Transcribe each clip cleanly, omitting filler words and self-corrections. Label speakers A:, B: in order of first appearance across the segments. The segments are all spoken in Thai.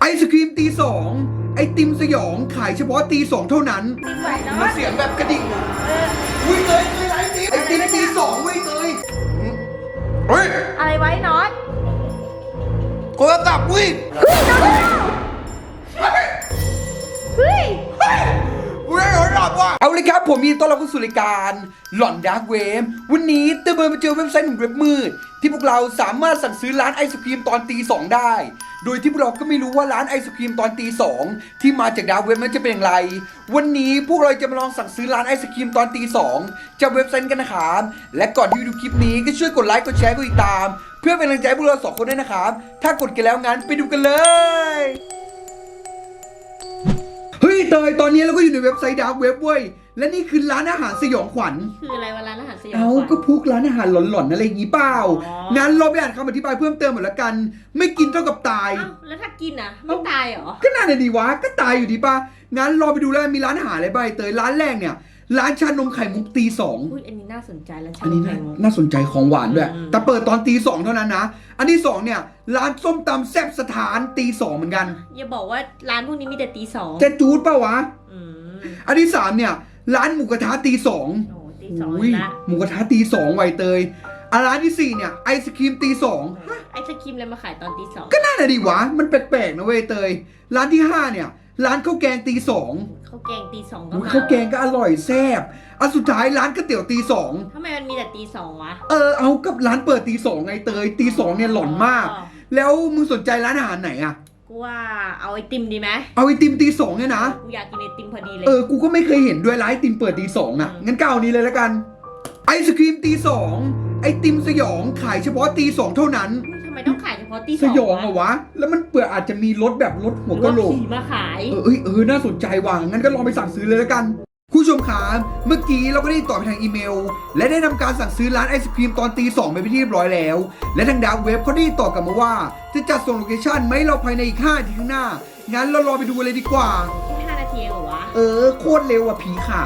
A: ศครีมตีสองไอติมสยองขายเฉพาะตีสองเท่านั้น
B: ติมไหวเนาะ
A: มาเสียงแบบกระดิ่งอ่ะอุ้ยเตยไอติมตีสองเว้ยเตยเฮ้ย
B: อะไรไว้น็อต
A: โทรศัพท์เว้ย
B: เฮ้ย
A: เว้ยโทรศัพท์ว่ะเอาเลยครับผมมีต้อนรับเข้าสู่รายการหล่อนดาร์กเวฟวันนี้เติมมาเจอเว็บไซต์หนึ่งเว็บมืดที่พวกเราสามารถสั่งซื้อร้านไอศครีมตอนตีสองได้โดยที่พวกเราก็ไม่รู้ว่าร้านไอศครีมตอนตีสองที่มาจากดาร์กเว็บนั้นจะเป็นอย่างไรวันนี้พวกเราจะมาลองสั่งซื้อร้านไอศครีมตอนตีสองจากเว็บไซต์กันนะครับและก่อนที่จะดูคลิปนี้ก็ช่วยกดไลค์กดแชร์กดติดตามเพื่อเป็นกำลังใจให้พวกเราสองคนด้วยนะครับถ้ากดกันแล้วงั้นไปดูกันเลยเฮ้ยเตยตอนนี้เราก็อยู่ในเว็บไซต์ดาร์กเว็บเว้ยและนี่คือร้านอาหารสยองขวัญ
B: คืออะไรวะร้านอาหารสยอง
A: เอา
B: ขวัญ
A: ก็พวกร้านอาหารหลอนๆอะไรอย่างงี้เปล่า
B: อ๋อ
A: งั้นเราไปอ่านคำอธิบายเพิ่มเติมหมดละกัน ไม่กินเท่ากับตาย
B: เอ้าแล้วถ้ากินอ่ะไม่ตายเหรอ
A: ก็น่าจะดีวะ ก็ตายอยู่ดีป่ะ งั้นรอไปดูแล้วมีร้านอาหารอะไรบ้างเตยร้านแรกเนี่ย ร้านชานมไข่มุกตีสอง
B: อุ้ยอันนี้น่าสนใจแล้ว
A: อันนี้
B: ไข่มุก
A: น่าสนใจของหวานด้วย
B: อืม
A: แต่เปิดตอนตีสองเท่านั้นนะ อันที่สองเนี่ยร้านส้มตำแซ่บสถานตีสองเหมือนกัน
B: อย่าบอกว่าร้านพวกนี้มีแต่ตีสอง
A: จะจูดป่าวะ
B: อืม
A: อันที่สามเนี่ยร้านหมูกระทะตีสอง
B: โอ้ตีสอง
A: อุ้ย
B: ละ
A: หมูกระทะตีสองไวเตยร้านที่สี่เนี่ยไอศครีมตีสอง
B: ไอศครีมอะไรมาขายตอนตีสอง
A: ก็น่าจะดีวะ มันแปลกๆนะเว้ยเตย ร้านที่ห้าเนี่ยร้านข้าวแกงตีสอง
B: ข้าวแกงตีสองก็
A: อุ๊ย
B: มา
A: ข้าวแกงก็อร่อยแซ่บอันสุดท้ายร้านก๋วยเตี๋ยวตีสอง
B: ทำไมมันมีแต่ตีสองวะ
A: เอากับร้านเปิดตีสองไงเตยตีสองเนี่ยหลอนมาก แล้วมึงสนใจร้านอาหารไหนอะ
B: กูว่าเอาไอติมดีไหม
A: เอาไอติมตีสองเนี่ยนะ
B: กูอยากกินไอติมพอดีเลย
A: กูก็ไม่เคยเห็นด้วยร้านไอติมเปิดตีสองอะงั้นก็เอานี้เลยละกัน ไอศครีมตีสองไอติมสยองขายเฉพาะตีสองเท่านั้น
B: ทำไมต้องขายเฉพาะตีส
A: ส
B: อง
A: ยองเหรอวะ แล้วมันเปิดอาจจะมีรถแบบรถหัวกะโหลก
B: ผีมาขาย
A: น่าสนใจว่ะงั้นก็ลองไปสั่งซื้อเลยแล้วกันผู้ชมครับเมื่อกี้เราก็ได้ตอบไปทางอีเมล และได้ทำการสั่งซื้อร้านไอศครีมตอนตีสองไปเป็นที่เรียบร้อยแล้ว และทางดาวเว็บเขาได้ตอบกลับมาว่า จะจัดส่งโลเคชั่นไหมเราภายในอีก5 นาทีข้างหน้า งั้นเรารอไปดูเลยดีกว่า
B: แค่5 นาทีเองเหรอวะ
A: โคตรเร็วอ่ะผีขาย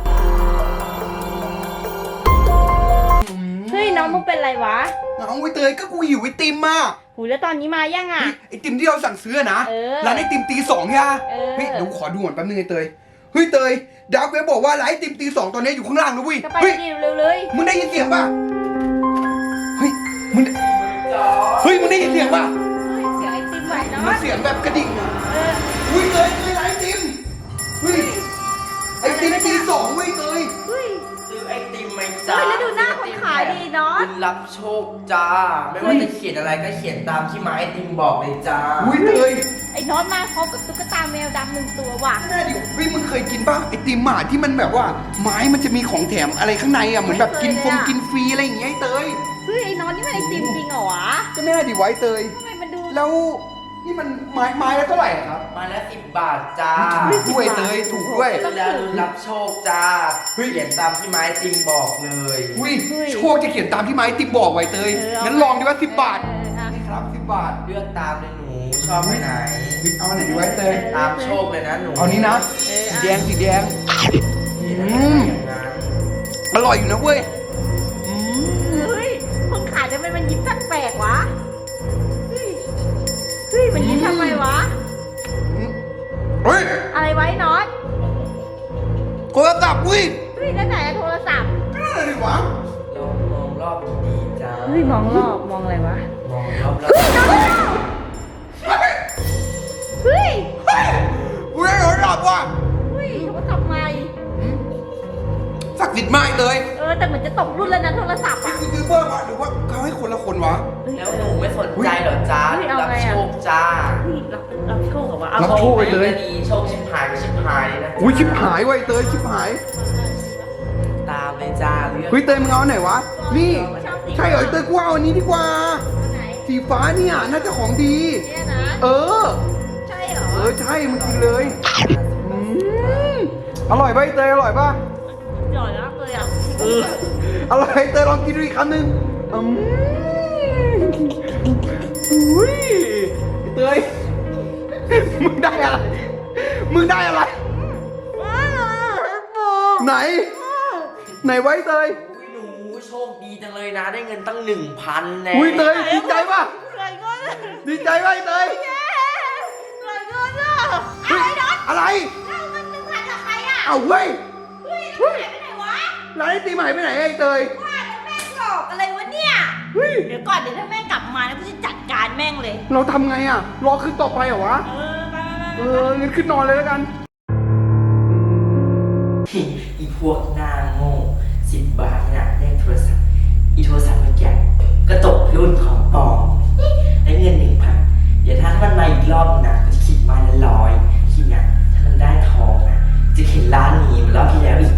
B: เฮ้ยน้องมึงเป็นไรวะ
A: เอาไว้เตยก็กูหิวไอติมมา
B: หูแล้วตอนนี้มายังอ่ะ
A: ไอติมที่เราสั่งซื้อนะ
B: เออ
A: ร้านไอติมตีสองใช่ไหม
B: เออ
A: เฮ้ยเดี๋ยวขอดูก่อนแป๊บนึงไอเตยเฮ้ยเตยดาวเว็บบอกว่าร้านไอติมตีสองตอนนี้อยู่ข้างล่างนะเว้ย
B: ก็ไป
A: เฮ้ย
B: ดิเร็วๆเลย
A: มึงได้ยินเสียงป่ะ เฮ้ย มึงได้ยินเสียงป่ะ
B: เฮ้ยเสียงไอติมไหวเนาะ
A: มันเสียงแบบกระดิ่งอ่ะ
B: เออ
A: อุ้ยเตยไอติมเฮ้ย ไอติมตีสองเว้ยเตย
B: เฮ้ย
C: ซื้อไอติมไหมจ้า
B: เฮ้ยแล้วดูหน้าคนขายดิเนาะ
C: คุณรับโชคจ้า ไม่ว่าจะเขียนอะไรก็เขียนตามที่ไม้ไอติมบอกเลยจ้า
A: อุ้ยเตย
B: ไอ้น็อตมาพร้อมกับตุ๊กตาแมวดำ1 ตัวว่ะ
A: น่าดิเฮ้ยมึงเคยกินป่ะไอติมหมาที่มันแบบว่าไม้มันจะมีของแถมอะไรข้างในอ่ะเหมือนแบบกินฟงกินฟรีอะไรอย่างเงี้ยไอเตย
B: เฮ้ยไอ้น็อตนี่มันไอติมจริงเหรอวะ
A: ก็น่าดิไว้เตย
B: ทำไมมันดู
A: แล้วนี่มันไม้ละเท่าไหร่อะครับ
C: มาแล้ว10 บาทจ้า
A: ถูกด้วยเตยถูกด้วย
C: ซื้อแล้วรับโชคจ้า เขียนตามที่ไม้ไอติมบอกเลย
A: อุ้ยโชคจะเขียนตามที่ไม้ติมบอกไว้เตย งั้นลองดีว่า10 บาท
B: เอออ่ะ
A: ครับ10 บาท
C: เลือกตามเลยหนู ชอบไปไหน
A: เอาอันไหนดีไว้เตย
C: ตามโชคเลยนะหนู
A: เอานี้นะ
B: เออ
A: สี
B: อ่ะ
A: แดงสีแดง
C: อย่างนั้น
A: อร่อยอยู่นะเว้ย
B: เฮ้ยคนขายทำไมมันยิ้มแปลกๆวะ เฮ้ย เฮ้ยมันยิ้มทำไมวะ
A: เฮ้ย
B: อะไรไว้น็อต
A: โทรศัพท์เว้ย
B: เฮ้ยนั่นไหนอะโทรศัพท์
A: ก็นั่นอะไรวะ
C: ลองมองรอบดีๆจ้า
B: เฮ้ยมองรอบมองอะไรวะ
C: มองรอบ
A: เฮ้ย
B: เฮ้ย
A: เฮ้ยกูได้โทรศัพท์ว่ะ
B: เฮ้ยโทรศัพท์ใหม่
A: ศักดิ์สิทธิ์มากเลย
B: แต่เหมือนจะตกรุ่นแล้วนะโทรศัพท์
A: ไอ้
B: อะ
A: กูซื้อเพิ่มวะหรือว่าเขาให้คนละคนวะ
C: แล้วหนูไม่สนใจเหรอจ้า
B: เฮ้ยเอา
C: รับ
B: ไงอะ
C: โชคจ้า
B: เฮ้ยรับโชคเหรอวะ
A: รับโชคไปเลย
C: ดีโชคชิบหายก็ชิบหายเลยนะ
A: อุ้ยชิบหายไว้เตยชิบหาย
C: ตามเลยจ้าเลือก
A: เฮ้ยเตยมึงเอาอันไหนวะ นี่ ใช่เหรอไอ้เตยกูเอาอันนี้ดีกว่า
B: ไหน
A: สีฟ้าเนี่ยน่าจะของดี
B: เนี่ยนะ
A: เออ
B: ใช่เหรอ
A: ใช่มึงกินเลยอืมอร่อยป่ะไอ้เตยอร่อยป่ะ
B: หล่อมากเลยอ่ะ
A: อร่อยเตยลองกินดูอีกคำหนึ่งอุ้ยเตย มึงได้อะไร มึงได้อะไร ไหน ไหนไว้เตย
C: หนูโชคดีจังเลยนะได้เงินตั้ง 1,000แน่
A: อุ้ยเตยดีใจป่ะ
B: ใครก็
A: ดีใจป่ะไอ้เตย
B: ใคร
A: อะไร
B: เอาเงิน1,000จากใครอ่ะ
A: เอาเว้ย
B: เฮ้ยแล้วมันหายไปไหนวะ
A: ร้านไอติมหายไปไหนไอ้เตย
B: ว่าแล้วแม่งหลอกอะไรวะเนี่ย
A: เฮ้ย
B: เดี๋ยวก่อนเดี๋ยวถ้าแม่งกลับมานะกูจะจัดการแม่งเลย
A: เราทำไงอ่ะ รอขึ้นต่อไปเหรอวะ
B: ไป
A: งั้นขึ้นนอนเลยแล้วกัน
C: อีพวกหน้าโง่10 บาทนี่นะเล่นโทรศัพท์อีโทรศัพท์เมื่อกี้ก็ตกรุ่นของปลอมได้เงิน 1,000เดี๋ยวถ้ามันมาอีกรอบนะก็จะคิดมาละ100คิดนะถ้ามันได้ทองนะจะเห็นร้านนี้เหมือนรอบที่แล้วอีก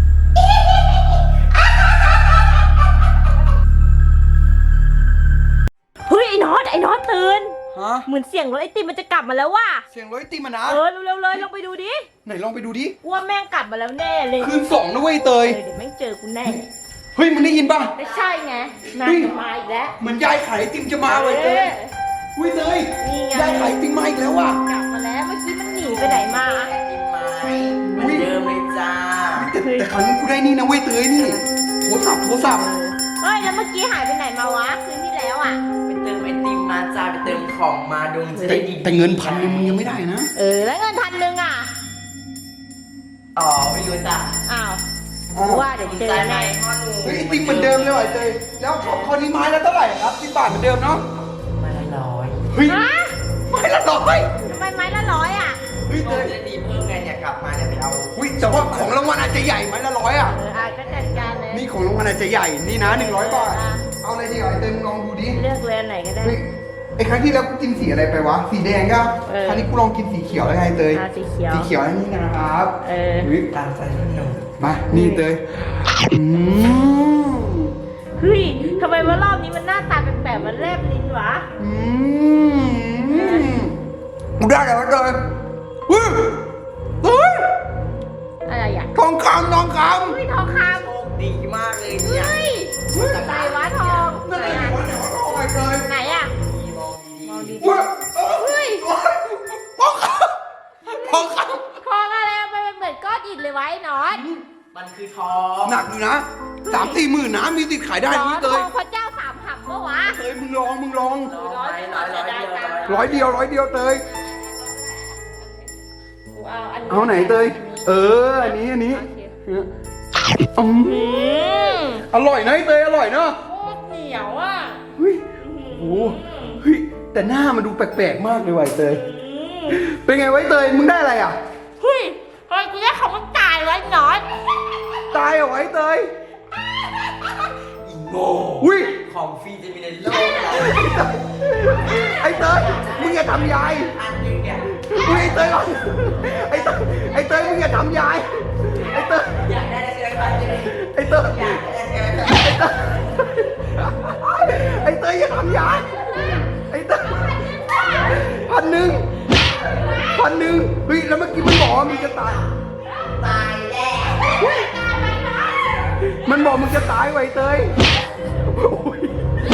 B: เฮ้ยไอ้น็อตตื่น
A: ฮะ
B: เหมือนเสียงรถไอติมมันจะกลับมาแล้วว่ะ
A: เสียงรถไอติมอะนะ
B: เร็วๆเลยลองไปดูดิ
A: ไหนลองไปดูดิ
B: ว่าแม่งกลับมาแล้วแน่เลย
A: คืน2นะเว้ยเตย
B: เดี๋ยวแม่งเจอกูแน่
A: เฮ้ยมึงได้ยินป่ะ
B: ไม่ใช่ไงนาง
A: เฮ้ย
B: จะมาอีกแล้ว
A: เหมือนยายขายไอติมจะมาเว้ยเตยอุ้ยเตย
B: นี่ไง
A: ยายขายไอติมมาอีกแล้วว่ะ
B: กลับมาแล้วเมื่อกี้มันหนีไปไหนมา
C: ไอติมไม้เหมือนเดิมเลยจ้า
A: แต่ครั้งนี้กูได้นี่นะเว้ยเตยนี่ โทรศัพท์
B: เฮ้ยแล้วเมื่อกี้หายไปไหนมาวะคืนที่แล้วอ่ะ
C: ไปเติมไอติมมาจ้าไปเติมของมาดวงจะได้ดี
A: แต่เงิน1,000มึงยังไม่ได้นะ
B: แล้วเงิน1,000อ่ะ
C: อ๋อไม่รู้จ้า
B: อ้าว
A: อ้าว
B: ว่าเดี๋ยวเจอแน่
C: พ่อหนู
A: เฮ้ยไอติมเหมือนเดิมเลยว่ะเตยแล้วคราวนี้ไม้ละเท่าไหร่ครับ10 บาทเหมือนเดิมเนาะ
C: มาละ100
A: เฮ้ย
B: ฮะ
A: ไม้ละ100
B: ทำไมไม้ละ100อ่ะ
A: เฮ้ย
C: ด
A: เต
C: วง
A: ย
C: จะได้ดีเพิ่มไงเนี่ยกลับมาเนี่ยไปเอา
A: อุ้ยแต่ว่าของรางวัลอาจจะใหญ่ไม้ละ100อ่ะ
B: ก็จัดการเลย
A: นี่ของรางวัลอาจจะใหญ่ นี่นะ100 บาท
B: อ่ะ
A: เอาอะไรดีอ่ะไอเตยมึงลองดูดิ
B: เลือกเลยอันไหนก็ได้
A: เฮ้ยไอครั้งที่แล้วกูกินสีอะไรไปวะ สีแดงก็ ครั้งนี้กูลองกินสีเขียวแล้วไงเตย
B: สีเขียว
A: สีเขียวอันนี้นะครับ
B: เออ
A: เฮ้ย
C: ตามใจหนู
A: มา นี่เตยอืม
B: เฮ้ยทำไมว่ารอบนี้มันหน้าตาแปลกๆมันแลบลิ้นวะ
A: อืมกูได้แล้วเตยเฮ้ยเฮ้ย
B: อะไรอ่ะ
A: ทองคำ
B: เฮ้ยทองค
C: โชคดีมากเลย
B: ำ
C: เนี่ย
B: เฮ้ยไหนวะทอง
A: นั่น
B: ไหน
A: ไง
B: อ่ะ
A: วะไหนวะทองไอ้เตย
B: ไหนอ่ะ
C: มองดี
A: เฮ้ย
B: เฮ้ย
A: ทองคำทองค
B: ทองอะไรอะมันเหมือนก้อนอิฐเลยวะไอ้หนอน
C: มันคือทอง
A: ำหนักอยู่นะ3-4 หมื่นนะมีติดขายได้
B: หนอ
A: นี่
B: น
A: เต
B: ทอง
A: ย
B: พระเจ้าสามหักเมื่อวะ
A: เตยมึงลอง
C: ร้อยเดียว
A: ร้อยเดียวเตย
B: กูเอาอันนี้
A: เอาไหนเตย อันนี้
B: โอเค
A: อืม
B: อืม
A: อร่อยนะไอ้เตยอร่อยเนาะ
B: โคตรเหนียวอ่ะ
A: เฮ้ยโอ้โหเฮ้ยแต่หน้ามันดูแปลกๆมากเลยว่ะไอ้เตย เป็นไงไวะไอ้เตยมึงได้อะไรอ่ะ
B: เฮ้ยเฮ้ยกูได้ของมันตายไว้หนอน
A: ตายเหรอไอ้เตย
C: อีโง่
A: อุ้ย
C: ของฟรีจะมีในโลกเรา
A: ไอ้เตยมึงอย่าทำยาย
C: อันหนึงเนี่ย
A: อุ้ยไอ้เตยก่อนไอ้เตยมึงอย่าทำยายไอ้เตย
C: อยากได้ใช่ไหมครับ
A: ไอ้เตย
C: อยากได้ใช่ไหมครับ
A: ไอ้เตยอย่าทำยายไอ้เตย1,000เฮ้ยแล้วเมื่อกี้มันบอกว่ามึงจะตาย
C: ตายแล้ว
A: มันบอกมึงจะตายไวะไอ้เตยอุ๊ย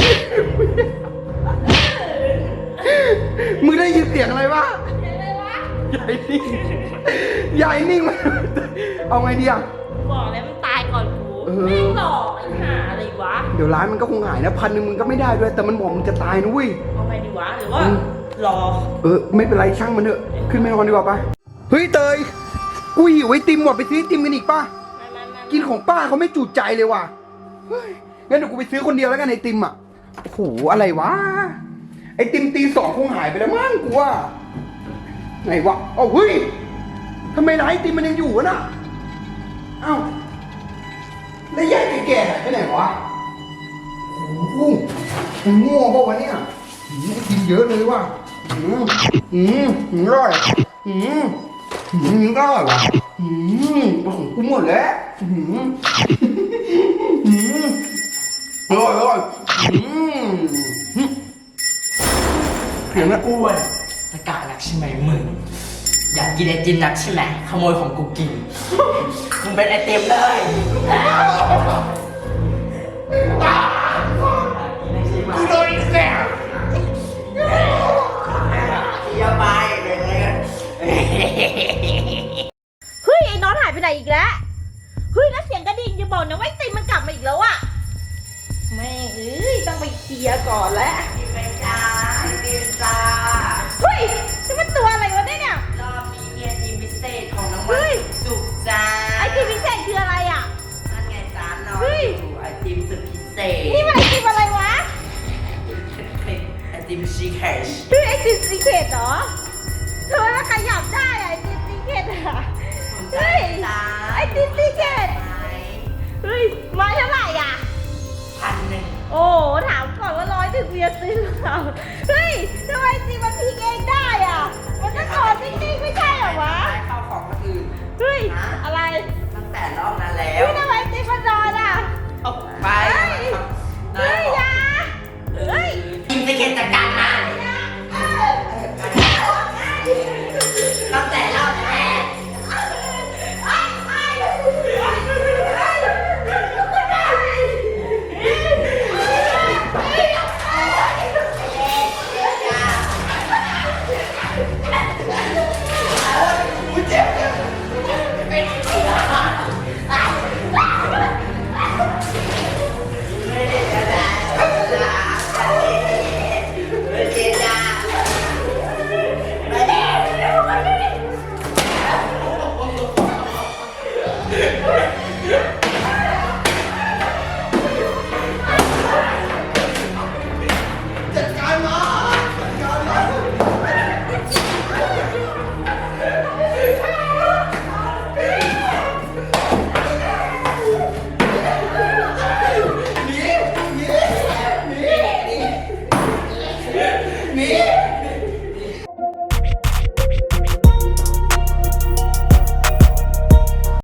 A: มึงได้ยินเสียงอะไรวะใหญ่นิ่งใหญ่นิ่งมาเอาไงดีอ่ะ
B: บอกแล้วมันตายก่อนกู
A: เออ
B: ไม่หลอกไอ้ห่าอะไรวะ
A: เดี๋ยวร้านมันก็คงหายนะ1,000มึงก็ไม่ได้ด้วย แต่มันบอกมึงจะตายนะเว้ย
B: เอาไงดีวะหรือว่า รอ
A: ไม่เป็นไรช่างมันเถอะ ขึ้นไปนอนดีกว่าปะเฮ้ยเตย กูหิวไอติมว่ะไปซื้อไอติมกันอีกป่ะ กินของป้าเขาไม่จุใจเลยว่ะเฮ้ยงั้นเดี๋ยวกูไปซื้อคนเดียวแล้วกันไอติมอ่ะ โอ้โหอะไรวะ ไอติมตี 2คงหายไปแล้วมั้งกูว่าไหนวะเอ้าเฮ้ยทำไมร้านไอติมมันยังอยู่วะน่ะเอ้าแล้วยายแก่ๆหายไปไหนวะโอ้โหมันง่วงเปล่าวะเนี่ยไอติมเยอะเลยว่ะอร่อยก็อร่อยวะของกูหมดแล้วอร่อยเสียงนะ
C: อ้วนตะกะหนักใช่ไหมมึง อยากกินไอติมหนักใช่ไหมขโมยของกูกิน มึงเป็นไอติมเลยกูโดนแกล้งอย่าไปเลย
B: เฮ้ยไอ้น็อตหายไปไหนอีกแล้ว เฮ้ยแล้วเสียงกระดิ่งอย่าบอกนะว่าไอ้ติมมันกลับมาอีกแล้วอะแม่งต้องไปเคลียร์ก่อนแล้ว
C: ไปจ้าไอติมจ้า
B: เฮ้ยนี่มันตัวอะไรวะเนี่ย
C: รอบนี้เนี่ยทีม
B: ยับได้อะไอติมซีเกตอะเฮ้ยไอติมซีเกตเฮ้ยไม้เท่าไหร่อ่ะ
C: 1,000
B: โอ้ถามก่อนว่า100ถึงกูจะซื้อหรือเปล่าเฮ้ยทำไมติมมันพลิกเองได้อ่ะมันต้องนอนนิ่งๆไม่ใช่เหรอวะ
C: เข้าของคนอื่น
B: เฮ้ยอะไร
C: ตั้งแต่รอบนั้นแล้ว
B: เฮ้ยทำไมติมมันนอนอ่ะ
C: เอาไป
B: เฮ้ยอยาเฮ้ย
C: กินไปเก็นจัดการมาตั้งแต่รอบแรก